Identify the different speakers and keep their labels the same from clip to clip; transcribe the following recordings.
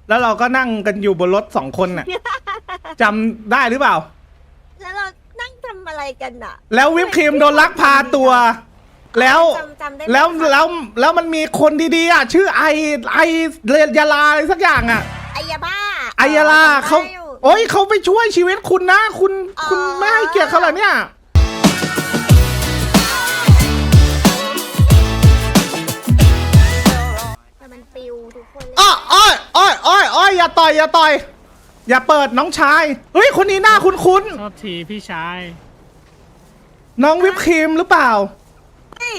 Speaker 1: แล้วเราก็นั่งกันอยู่บนรถ2 คนน่ะ จำได้หรือเปล่า
Speaker 2: แล้วเรานั่งทำอะไรกันอ่ะ
Speaker 1: แล้ววิปครีมโดนลักพาตัว แล้ว
Speaker 2: จำได้ไหม
Speaker 1: แล้วมันมีคนดีๆอ่ะชื่อไอเรยาลาอะไรสักอย่างอ่ะ
Speaker 2: ไอยาบ้า
Speaker 1: ไอยาลาเขา
Speaker 2: จำได้อยู่
Speaker 1: โอ้ยเขาไปช่วยชีวิตคุณนะคุณ
Speaker 2: อ๋อ
Speaker 1: คุณไม่ให้เกียรติเขาเหรอเนี่ย
Speaker 2: แต่มันปิวทุกคนเลย
Speaker 1: อ้อยอย่าต่อยอย่าเปิดน้องชายเฮ้ยคนนี้หน้าคุ้น
Speaker 3: โทษทีพี่ชาย
Speaker 1: ๆน้องวิปครีมหรือเปล่า
Speaker 2: เฮ้ย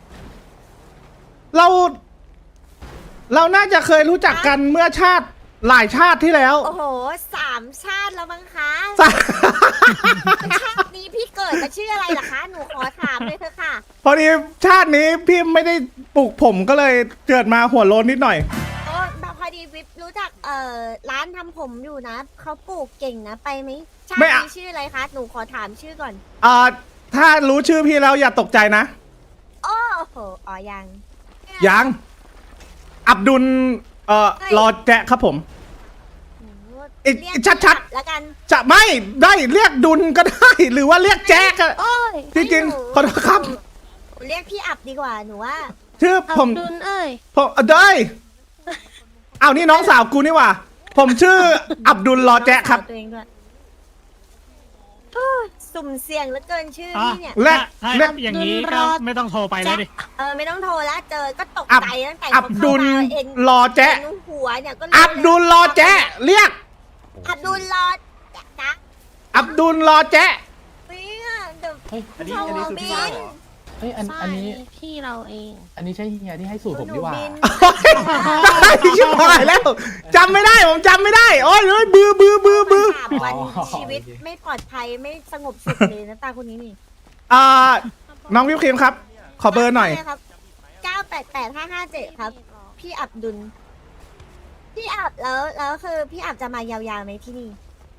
Speaker 1: เราน่าจะเคยรู้จักกันเมื่อชาติหลายชาติที่แล้ว
Speaker 2: โอ้โห3 ชาติแล้วมั้งคะ
Speaker 1: สะ
Speaker 2: ชาตินี้พี่เกิดมาชื่ออะไรล่ะคะ หนูขอถามเลยเถอะค่ะ
Speaker 1: พอดีชาตินี้พี่ไม่ได้ปลูกผมก็เลยเกิดมาหัวโล้นนิดหน่อย
Speaker 2: โอ้พอดีวิปรู้จักร้านทำผมอยู่นะเขาปลูกเก่งนะไปไหมชาติ
Speaker 1: ไม่อะ
Speaker 2: นี้ชื่ออะไรคะ หนูขอถามชื่อก่อน
Speaker 1: ถ้ารู้ชื่อพี่แล้วอย่าตกใจนะ
Speaker 2: โอ้โหอ๋อยัง
Speaker 1: ยังอับดุลรอแจะครับผม
Speaker 2: เรียก
Speaker 1: ชัด
Speaker 2: แล้วกัน
Speaker 1: จะไม่ได้เรียกดุลก็ได้ หรือว่าเรียกแจ๊กอะ
Speaker 2: โอ้ย
Speaker 1: จริงๆขอโทษครับ
Speaker 2: หนูเรียกพี่อับดีกว่าหนูว่า
Speaker 1: ชื่อผม
Speaker 4: ดุลเอ้ย
Speaker 1: ผมได้เอานี่น้องสาวกูนี่หว่า ผมชื่ออับดุลรอแจะครับ
Speaker 2: ตัวเองด้วยโอ้ยสุ่มเสี่ยงเหลือเกินชื่อ
Speaker 3: อ่ะ
Speaker 2: พี่เนี่ย
Speaker 1: แรก
Speaker 3: ถ้า
Speaker 1: แรก
Speaker 3: อย่างนี้ก็ไม่ต้องโทรไปแล้วดิ
Speaker 2: ไม่ต้องโทรแล้วเจอก็ตก
Speaker 1: อับ
Speaker 2: ใจตั้งแต่
Speaker 1: อับดุล
Speaker 2: เอง
Speaker 1: รอแจะ
Speaker 2: หัวเนี่ยก็รู้
Speaker 1: อับดุลรอแจะเรียก
Speaker 2: อับดุลรอจ๊ะ
Speaker 1: อับดุลรอแจะ
Speaker 2: เนี่ยเดี๋ยว
Speaker 5: เฮ้ย
Speaker 2: อันนี้คือพี่สาวเหรอ
Speaker 5: เฮ้ยอันนี้
Speaker 4: พี่เราเอง
Speaker 5: อันนี้ใช่เฮียที่ให้สูตรผมดีกว่า
Speaker 1: ได้ชิบหายแล้วจำไม่ได้ผมจำไม่ได้โอ้ยเฮ้ยบือ
Speaker 2: 3 วัน
Speaker 5: อ๋อ
Speaker 2: ชีวิตไม่ปลอดภัยไม่สงบสุขเลยนะตาคนนี้นี่
Speaker 1: น้องวิปครีมครับ ขอเบอร์หน่อย
Speaker 2: ใช่ครับ988557ครับ พี่อับดุลพี่อับแล้วคือพี่อับจะมายาวๆไหมที่นี่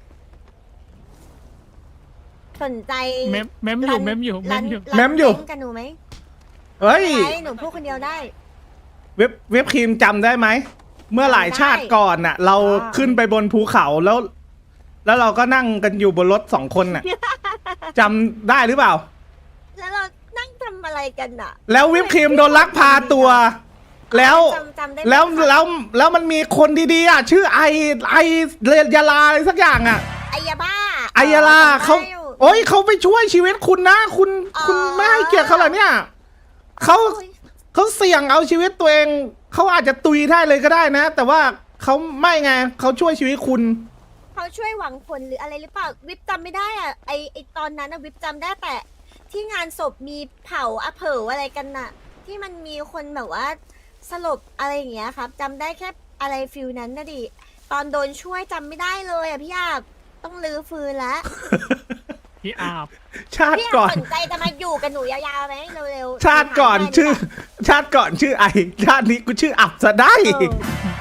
Speaker 2: สนใจ
Speaker 3: เมมอยู่เมมอยู่
Speaker 2: รัน
Speaker 1: เมมอยู่
Speaker 2: เต้นกับหนูไหม
Speaker 1: เฮ้ย
Speaker 2: ไหนูพูดคนเดียวได้
Speaker 1: วิปครีมจำได้ไหม เมื่อหลายชาติก่อนน่ะ เราขึ้นไปบนภูเขาแล้วเราก็นั่งกันอยู่บนรถ2 คนน่ะจำได้หรือเปล่า
Speaker 2: แล้วเรานั่งทำอะไรกันอ่ะ
Speaker 1: แล้ววิปครีมโดนลักพาตัว แล้ว
Speaker 2: จำได้ไหม
Speaker 1: แล้วมันมีคนดีๆอ่ะชื่อไอเรยาลาอะไรสักอย่างอ่ะ
Speaker 2: ไอยาบ้า
Speaker 1: ไอยาลาเขา
Speaker 2: จำได้อยู่
Speaker 1: โอ้ยเขาไปช่วยชีวิตคุณนะคุณ
Speaker 2: อ๋อ
Speaker 1: คุณไม่ให้เกียรติเขาเหรอเนี่ยเขา
Speaker 2: โอ้ย
Speaker 1: เขาเสี่ยงเอาชีวิตตัวเองเขาอาจจะตุยได้เลยก็ได้นะ แต่ว่าเขาไม่ไงเขาช่วยชีวิตคุณ
Speaker 2: เขาช่วยหวังผลหรืออะไรหรือเปล่าวิปจำไม่ได้อ่ะไอตอนนั้นอะวิปจำได้แต่ที่งานศพมีเผาเผาอะไรกันน่ะ ที่มันมีคนแบบว่าสลบอะไรอย่างเงี้ยครับจำได้แค่อะไรฟิลนั้นนะดิตอนโดนช่วยจำไม่ได้เลยอ่ะพี่อาบต้องลื้อฟื้นแล้ว
Speaker 3: พี่อาบ
Speaker 1: ชาติ
Speaker 2: พี่อา
Speaker 1: ก่
Speaker 2: บ
Speaker 1: อน
Speaker 2: สนใจจะมาอยู่กับหนูยาวๆไหมเร็วๆ
Speaker 1: ชาติก่อน
Speaker 2: ได้
Speaker 1: ชื่อ
Speaker 2: หรืเปล่า
Speaker 1: ชาติก่อนชื่อไอชาตินี้กูชื่ออับซะได้
Speaker 2: เออ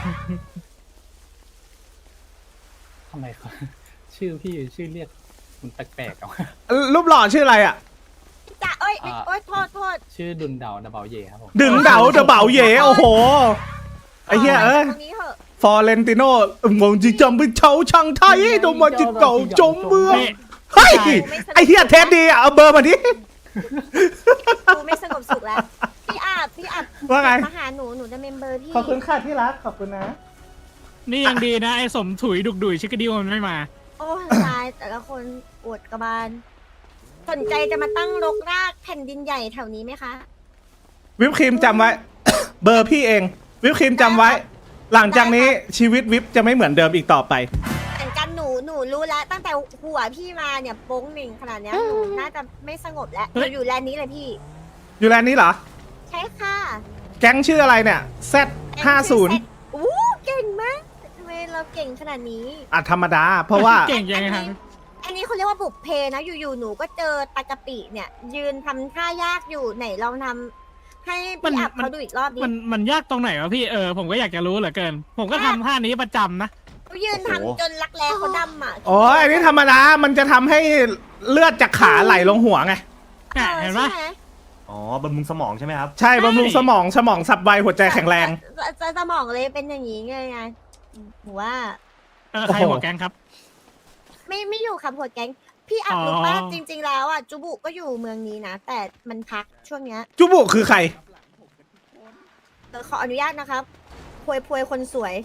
Speaker 5: ทำไมเขา ชื่อพี่ชื่อเรียกมันแปลกๆเอา
Speaker 1: รูปหล่อชื่ออะไรอ่ะ
Speaker 2: จะโอ๊ยโทษ
Speaker 5: ชื่อดุนเดาดับเบิลเยครับผม
Speaker 1: ดึงเดาเดาเบาเย่โอ้โห ไอ้เหี้ยเอ้ย
Speaker 2: ตรงนี้เหอะ
Speaker 1: ฟอเรนติโน่งงจีจำเป็นเฉาช่างไทยโดนมาจิเก่าจมเมือง
Speaker 3: นี่
Speaker 1: เฮ้ยไอ้เหี้ยเท็ดดีอ่ะเอาเบอร์มาดิ
Speaker 2: กูไม่สงบสุขแล้วพี่อาบ
Speaker 1: ว่าไง
Speaker 2: มาหาหนูจะเมมเบอร์พี่
Speaker 1: ขอบคุณค่ะที่รักขอบคุณนะ
Speaker 3: นี่ยังดีนะไอ้สมถุยดุกดุยชิคกดิวมันไม่มา
Speaker 2: โอ้ยตายแต่ละคนอวดกระบาล สนใจจะมาตั้งรกรากแผ่นดินใหญ่แถวนี้ไหมคะ
Speaker 1: วิปครีมจำไว้ เบอร์พี่เอง วิปครีมจำไว้ หลังจากนี้ชีวิตวิปจะไม่เหมือนเดิมอีกต่อไป
Speaker 2: เหมือนกันหนูรู้แล้วตั้งแต่หัวพี่มาเนี่ยโป้งหนึ่งขนาดเนี้ยหนูน่าจะไม่สงบแล้วห
Speaker 3: เฮ้
Speaker 2: นู
Speaker 3: ย
Speaker 2: อยู่แลนด์นี้เลยพี่
Speaker 1: อยู่แลนด์นี้เหรอ
Speaker 2: ใช่ค่ะ
Speaker 1: แก๊งชื่ออะไรเนี่ย Z50
Speaker 2: อู้เก่งมากทำไมเราเก่งขนาดนี้
Speaker 1: อ่ะธรรมดา เพราะว่า
Speaker 3: เก่งยังไงฮะ
Speaker 2: อันนี้เขาเรียกว่าบุกเพนะอยู่ๆหนูก็เจอตากะปิเนี่ย ยืนทำท่ายากอยู่ไหนลองทำให้พี่อับเขาดูอีกรอบดิ
Speaker 3: มันยากตรงไหนวะพี่ผมก็อยากจะรู้เหลือเกิน ผมก็ทำท่านี้ประจำนะ
Speaker 2: เขายืนทำจนรักแร้เขาดำอ่ะ
Speaker 1: โอ้ยอันนี้ธรรมดา มันจะทำให้เลือดจากขาไหลลงหัวไง
Speaker 3: เห็นปะ
Speaker 2: ใช่ไม
Speaker 6: อ๋อบำรุงสมองใช่ไหมครับ
Speaker 1: ใช่บำรุงสมองสับไวหัวใจแข็งแรง
Speaker 2: สมองเลยเป็นอย่างนี้ไงหนูว่า
Speaker 3: ใครหัวแก๊งครับ
Speaker 2: ไม่อยู่ครับหัวแก๊งพี่อัด
Speaker 3: อ๋อ
Speaker 2: รู้ป่ะจริง ๆ แล้วอ่ะจูบุก็อยู่เมืองนี้นะ แต่มันพักช่วงเนี้ย
Speaker 1: จุบุคือใคร
Speaker 2: ขออนุญาตนะครับพวยคนสวย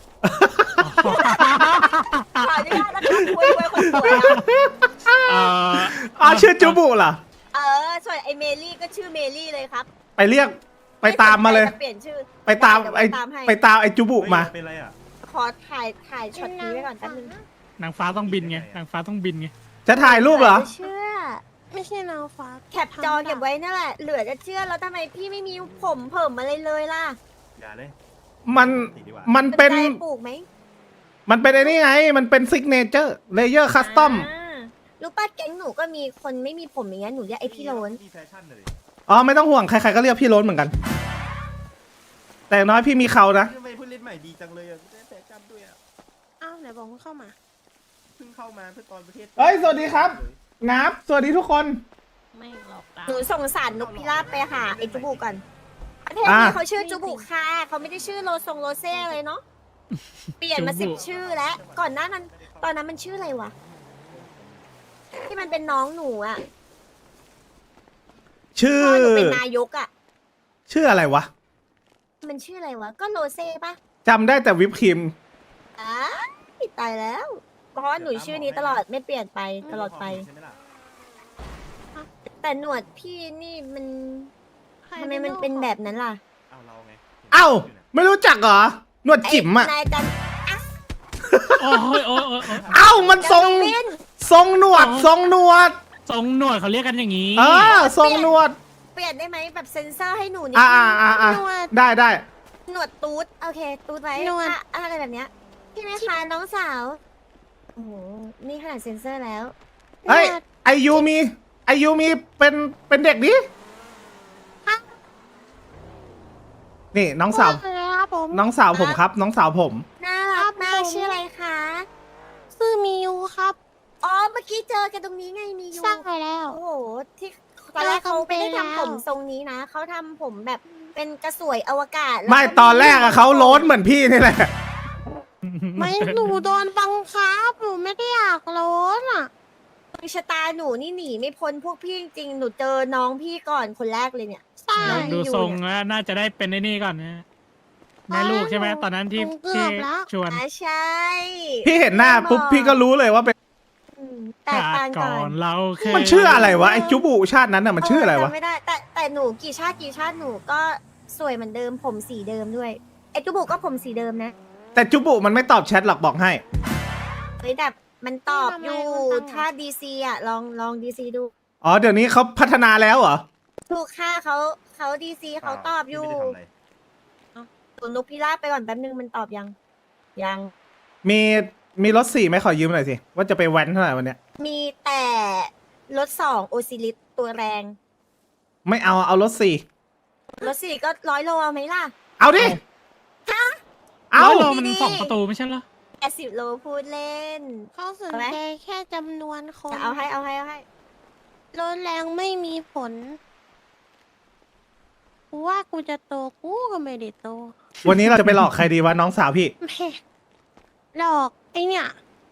Speaker 2: ขออนุญาตนะครับพวยคนสวยอะ
Speaker 1: ชื่อจุบุเหรอ
Speaker 2: ส่วนไอเมลี่ก็ชื่อเมลี่เลยครับ
Speaker 1: ไปเรียกไปตามมาเลย
Speaker 2: ไสนใจจะเปลี่ยนชื่อ
Speaker 1: ไปตาม
Speaker 2: ด้
Speaker 1: ไอ้
Speaker 2: เดี๋ยวตามให้
Speaker 1: ไปตามไอ้จุบุมา
Speaker 6: เป็นไรอ่ะ
Speaker 2: ขอถ่ายช็อตนี้ไว้ก่อนแป๊บนึง
Speaker 3: นางฟ้าต้องบินไงนางฟ้าต้องบินไง
Speaker 1: จะถ่ายรูปเหรอ
Speaker 2: เชื่อ
Speaker 4: ไม่ใช่นางฟ้า
Speaker 2: แคปจอเก็บไว้นั่นแหละ เหลือจะเชื่อแล้วทำไมพี่ไม่มีผมเพิ่มอะไรเลยล่ะ
Speaker 6: อย่าเลย
Speaker 1: มัน
Speaker 6: ติดดีกว่า
Speaker 1: มันเป็น
Speaker 2: สใจปลูกไหม
Speaker 1: มันเป็นไอ้นี่ไง มันเป็นซิกเนเจอร์เลเยอร์คัสตอม
Speaker 2: รู้ป่ะแก๊งหนูก็มีคนไม่มีผมอย่างเงี้ยหนูเรียกไอพี่โรน
Speaker 6: มีแฟชั่นเลย
Speaker 1: อ๋อไม่ต้องห่วงใครๆก็เรียกพี่โล้นเหมือนกัน แต่อย่างน้อยพี่มีเขานะ
Speaker 6: ทำไมผู้เล่นใหม่ดีจังเลยอ่ะได้แฟชั่นด้วยอ่ะ
Speaker 4: อ้าวไหนบอกว่าเข้ามา
Speaker 6: เพิ่งเข้ามาเพื่อตอนประเทศ
Speaker 1: เฮ้ยสวัสดีครับ นับสวัสดีทุกคน
Speaker 4: ไม่หลอกตา
Speaker 2: หนูส่งสารนกพิราบไปหาไอจูบุก่อนประเทศนี้
Speaker 1: อ่ะ
Speaker 2: เขาชื่อจูบุค่ะเขาไม่ได้ชื่อโลเซ่เลยเนาะเปลี่ยนมา
Speaker 3: จูบุ
Speaker 2: 10 ชื่อแล้วก่อนหน้านั้น ตอนนั้นมันชื่ออะไรวะที่มันเป็นน้องหนูอ่ะ
Speaker 1: ชื่อ
Speaker 2: พ่อหนูเป็นนายกอ่ะ
Speaker 1: ชื่ออะไรวะ
Speaker 2: มันชื่ออะไรวะก็โลเซ่ปะ
Speaker 1: จำได้แต่วิปครีม
Speaker 2: อ้ายตายแล้ว เพราะว่าหนูชื่อนี้ตลอดไม่เปลี่ยนไปตลอดไป
Speaker 6: ใช่ไหมล่ะ
Speaker 2: แต่หนวดพี่นี่มันทำไมมันเป็นแบบนั้นล่ะ
Speaker 6: เอาเราไง
Speaker 1: เอ้า ไม่รู้จักเหรอ หนวดจิ๋มอ่ะ
Speaker 2: นายจัน
Speaker 3: โอ้ยโอ้ยโอ้ยโอ้ย
Speaker 1: เอ้ามันทรง
Speaker 2: เล่น
Speaker 1: ทรงหนวด ทรงหนวด
Speaker 3: ทรงหนวดเขาเรียกกันอย่างนี้
Speaker 1: ทรงหนวด
Speaker 2: เปลี่ยนได้ไหมแบบเซ็นเซอร์ให้หนูนิด
Speaker 1: อ่าได้ได้
Speaker 2: หนวดตูดโอเคตูดไว้อะไรแบบเนี้ยพี่ไหมคะน้องสาวโอ้โหนี่ขนาดเซ็นเซอร์แล้ว
Speaker 1: เฮ้ยไอยูมีเป็นเด็กดินี่น้องสาว
Speaker 4: ครับผม
Speaker 1: น้องสาวผมครับ น้องสาวผม
Speaker 2: น่ารักมากชื่ออะไรคะ
Speaker 4: ชื่อมิวครับ
Speaker 2: อ๋อเมื่อกี้เจอกันตรงนี้ไงมีอยู่
Speaker 4: สร้างไปแล้ว
Speaker 2: โอ้โหที่ตอนแรกเขาไม่ได้ทำผมทรงนี้นะเขาทำผมแบบเป็นกระสวยอวกาศแล้ว
Speaker 1: ไม่ตอนแรกอะเขาโล้นเหมือนพี่นี่แหละ
Speaker 4: ไม่หนูโดนบังคับหนูไม่ได้อยากร้อนอ่ะ
Speaker 2: ชะตาหนูนี่หนีไม่พ้นพวกพี่จริงๆหนูเจอน้องพี่ก่อนคนแรกเลยเนี่ย
Speaker 4: ใช่
Speaker 2: น้อง
Speaker 3: ดู
Speaker 2: อยู่
Speaker 3: ทรง
Speaker 2: เนี่ย
Speaker 3: แล้วน่าจะได้เป็นไอ้นี่ก่อนนะแม่ลูกใช่ไหมตอนนั้นที่
Speaker 4: เกือบแล้ว
Speaker 3: ชวน
Speaker 2: ใช่
Speaker 1: พี่เห็นหน้าปุ๊บพี่ก็รู้เลยว่าเป็น
Speaker 2: อืมแตกต่าง
Speaker 3: ก่
Speaker 2: กั
Speaker 3: อน นเราเคย
Speaker 1: มันชื่ออะไรวะไอจุบุชาตินั้นอะมันชื่ออะไรวะ
Speaker 2: จำไม่ได้แต่หนูกี่ชาติหนูก็สวยเหมือนเดิมผมสีเดิมด้วยไอจูบุก็ผมสีเดิมนะ
Speaker 1: แต่จุบุมันไม่ตอบแชทหรอกบอกให้
Speaker 2: เฮ้ยแต่มันตอบอยู่ถ้าดีซีอ่ะลองดีซีดู
Speaker 1: อ๋อเดี๋ยวนี้เขาพัฒนาแล้วเหรอ
Speaker 2: ถูกค่าเขาดีซีเขาตอบอยู่
Speaker 6: ไม่ได้ทำอะไร
Speaker 2: ส่วนนกพิราบไปก่อนแป๊บนึงมันตอบยัง
Speaker 1: มีรถ4ไหมขอยืมหน่อยสิ ว่าจะไปแว้นเท่าไหร่วันเนี้ย
Speaker 2: มีแต่รถ2โอซิลิสตัวแรง
Speaker 1: ไม่เอารถ4
Speaker 2: รถ4ก็100 โลเอาไหมล่ะ
Speaker 1: เอาดิ เอา
Speaker 3: ร้อยโลมัน
Speaker 2: ดีๆ
Speaker 3: สองประตูไม่ใช่เหรอ
Speaker 2: 80 โลพูดเล่น
Speaker 4: เขาสนใจแค่จำนวนคน
Speaker 2: เอาให้
Speaker 4: รถแรงไม่มีผลกูว่ากูจะโตกูก็ไม่ได้โต
Speaker 1: วันนี้เราจะไปหลอกใครดีวะน้องสาวพี่
Speaker 4: แม่หลอกไอเนี่ย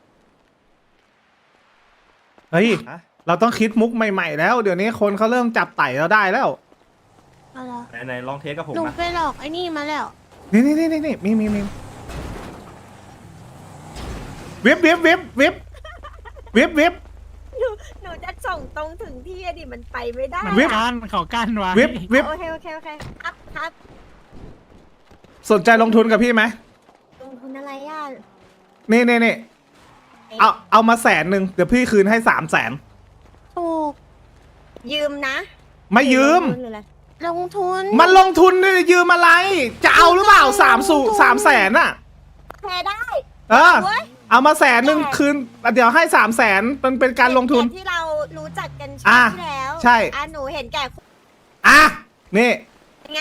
Speaker 1: เฮ้ย
Speaker 6: ฮะ
Speaker 1: เราต้องคิดมุกใหม่ๆแล้ว เดี๋ยวนี้คนเขาเริ่มจับไต่เราได้แล้ว
Speaker 4: เอาเหรอ
Speaker 6: ไหนลองเทสกับผม
Speaker 4: หนู
Speaker 6: มา
Speaker 4: ไปหลอกไอ้นี่มาแล้ว
Speaker 1: นี่มีวิบ
Speaker 2: หนูจะส่งตรงถึงที่อะดิมันไปไม่ได้
Speaker 3: มัน
Speaker 1: วิบ
Speaker 3: กั้นเขากั้นไว้
Speaker 1: วิบ
Speaker 2: โอเคครับ
Speaker 1: สนใจลงทุนกับพี่ไหม
Speaker 2: ลงทุนอะไรอ่ะ
Speaker 1: นี่เอามา100,000เดี๋ยวพี่คืนให้300,000
Speaker 4: ถูก
Speaker 2: ยืมนะ
Speaker 1: ไม่ยืม
Speaker 2: ลงทุนหรืออะไร
Speaker 4: ลงทุน
Speaker 1: มันลงทุนนี่ยืมอะไร จะเอาหรือเปล่า300,000อะ
Speaker 2: แพ้ได้
Speaker 1: เออ
Speaker 2: เว้ย
Speaker 1: เอามา100,000คืนเดี๋ยวให้300,000มันเป็นการลงทุน
Speaker 2: แต่ที่เรารู้จักกัน
Speaker 1: อ่ะ
Speaker 2: ที่แล้ว
Speaker 1: ใช่
Speaker 2: หนูเห็นแก่คุณ
Speaker 1: อ่ะนี่
Speaker 2: ไง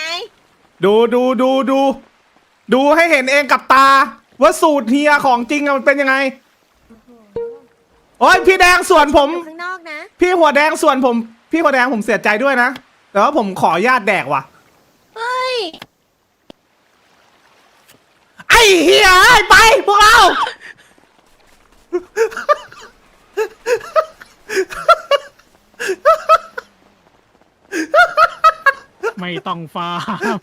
Speaker 1: ดูให้เห็นเองกับตา ว่าสูตรเฮียของจริงอะมันเป็นยังไง โอ้ยพี่แดงส่วนผม
Speaker 2: อยู่ข้างนอกนะ
Speaker 1: พี่หัวแดงส่วนผม พี่หัวแดงผมเสียใจด้วยนะ แต่ว่าผมขออนุญาตแดกว่ะ
Speaker 4: เฮ้ย
Speaker 1: ไออ้เหี้ยไปพวกเรา
Speaker 3: ไม่ต้องฟาร์ม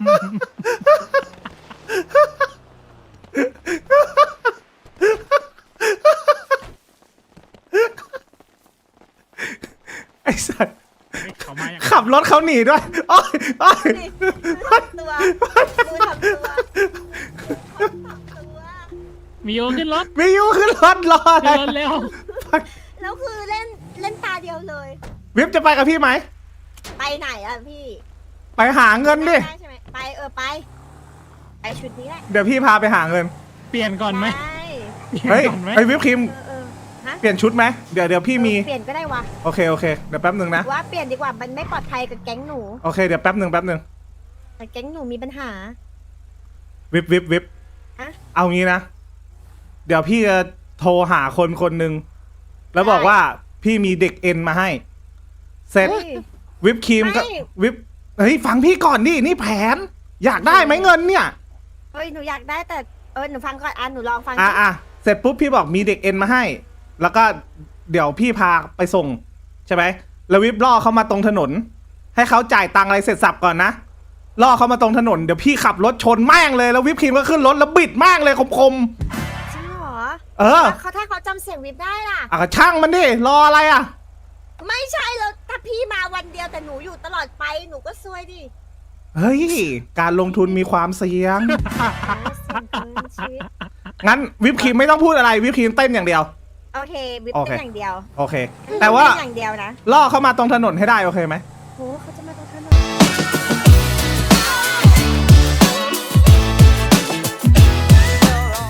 Speaker 1: ไอ้สัส
Speaker 3: เขามาอย่าง
Speaker 1: ขับรถเขาหนีด้วยโอ้ยโอ้ย
Speaker 2: นี่ทำตัวมือทำตัวทำตัว
Speaker 3: มีโยขึ้นรถ
Speaker 1: มีอยู่ขึ้นรถรออะไร
Speaker 3: ขึ้นรถเร็ว
Speaker 2: แล้วคือเล่นตาเดียวเลย
Speaker 1: วิบจะไปกับพี่ไหม
Speaker 2: ไปไหนอ่ะพี่
Speaker 1: ไปหาเงินดิ
Speaker 2: ได้ใช่ไหมไปไปไปชุดนี้แหละ
Speaker 1: เดี๋ยวพี่พาไปหาเงิน
Speaker 3: เปลี่ยนก่อนไหม
Speaker 2: ได้
Speaker 3: เปลี่ยน
Speaker 1: เฮ้ย
Speaker 3: ก่อนไหม
Speaker 1: ไอ้วิปครีม
Speaker 2: ฮะ
Speaker 1: เปลี่ยนชุดไหมเดี๋ยวพี่มี
Speaker 2: เปลี่ยนก็ได้วะ
Speaker 1: โอเคโอเคเดี๋ยวแป๊บหนึ่งนะ
Speaker 2: ว่าเปลี่ยนดีกว่ามันไม่ปลอดภัยกับแก๊งหนู
Speaker 1: โอเคเดี๋ยวแป๊บหนึ่ง
Speaker 2: แต่แก๊งหนูมีปัญหา
Speaker 1: วิบ
Speaker 2: อะ
Speaker 1: เอางี้นะ เดี๋ยวพี่จะโทรหาคนคนหนึ่งแล้วบอกว่าพี่มีเด็กเอ็นมาให้ เสร็จ
Speaker 2: เฮ้ย
Speaker 1: วิปครีมก็
Speaker 2: ไม่
Speaker 1: วิปเฮ้ยฟังพี่ก่อนดินี่แผน อยากได้ไหมเงินเนี่ย
Speaker 2: เฮ้ยหนูอยากได้แต่หนูฟังก่อนหนูลองฟัง
Speaker 1: อ่ะเสร็จปุ๊บพี่บอกมีเด็กเอ็นมาให้ แล้วก็เดี๋ยวพี่พาไปส่งใช่ไหมแล้ววิบล่อเขามาตรงถนน ให้เขาจ่ายตังค์อะไรเสร็จสับก่อนนะล่อเขามาตรงถนนเดี๋ยวพี่ขับรถชนแม่งเลยแล้ววิปครีมก็ขึ้นรถแล้วบิดแม่งเลยคม
Speaker 2: จริงเหรอ
Speaker 1: เออ
Speaker 2: แล้วถ้าเขาจำเสียงวิบได้ล่ะ
Speaker 1: ๆก็ช่างมันดิรออะไรอ่ะ
Speaker 2: ไม่ใช่แล้วถ้าพี่มาวันเดียวแต่หนูอยู่ตลอดไปหนูก็ซวยดิ
Speaker 1: เฮ้ยการลงทุนมีความเสี่ยง
Speaker 2: เสี่ยงเกินชีวิต
Speaker 1: งั้นวิปครีมไม่ต้องพูดอะไรวิปครีมเต้นอย่างเดียว
Speaker 2: โอเควิบ
Speaker 1: โอเค
Speaker 2: เป็นอย่างเดียว
Speaker 1: โอเค แต่ว่า
Speaker 2: เป็นอย่างเดียวนะ
Speaker 1: ล่อเขามาตรงถนนให้ได้โอเคไหม
Speaker 2: โหเขาจะ